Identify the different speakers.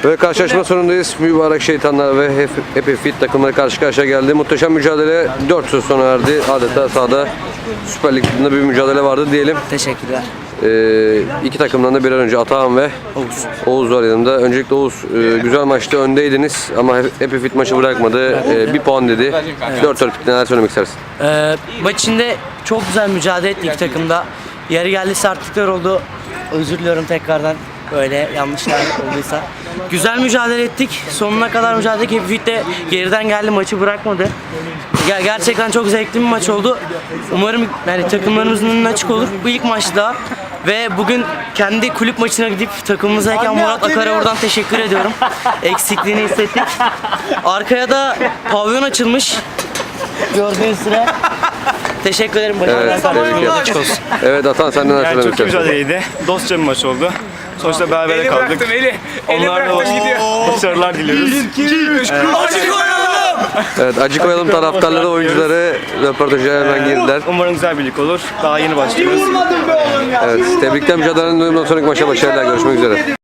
Speaker 1: Ve karşılaşma sonundayız. Mübarek Şeytanlar ve Happy Fit takımları karşı karşıya geldi. Muhteşem mücadele 4 söz sona erdi. Adeta sahada Süper Lig'de bir mücadele vardı diyelim.
Speaker 2: Teşekkürler.
Speaker 1: İki takımdan da bir an önce Atahan ve Oğuz var yanımda. Öncelikle Oğuz, güzel maçta öndeydiniz ama Happy Fit maçı bırakmadı. Bir puan dedi. 4-4 bitti. Neler söylemek istersin?
Speaker 2: Maç içinde çok güzel mücadele ettik iki takımda. Yeri geldi sertlikler oldu. Özür diliyorum tekrardan böyle yanlışlar olduysa. Güzel mücadele ettik. Sonuna kadar mücadele ettik. Happy Fit de geriden geldi, maçı bırakmadı. Gerçekten çok zevkli bir maç oldu. Umarım yani takımlarımızın önüne açık olur. Bu ilk maç daha. Ve bugün kendi kulüp maçına gidip takımımızdayken Murat Akar'a buradan teşekkür ediyorum. Eksikliğini hissettik. Arkaya da pavyon açılmış. Gördüğünüz süre. Teşekkür ederim.
Speaker 1: Evet, tebrik ederim. Evet Atahan, senden neler
Speaker 3: Yani
Speaker 1: söylemek
Speaker 3: çok iyi
Speaker 1: istersin?
Speaker 3: mücadeleydi. Dostça bir maç oldu. Sonuçta berabere kaldık. Onlarla başarılar diliyoruz.
Speaker 1: Evet, acı koyalım taraftarları, oyuncuları röportaja hemen girdiler.
Speaker 3: Umarım güzel birlik olur. Daha yeni başlıyoruz.
Speaker 1: Evet, tebrikler, mücadelenin sonraki maça başarılar. Görüşmek üzere.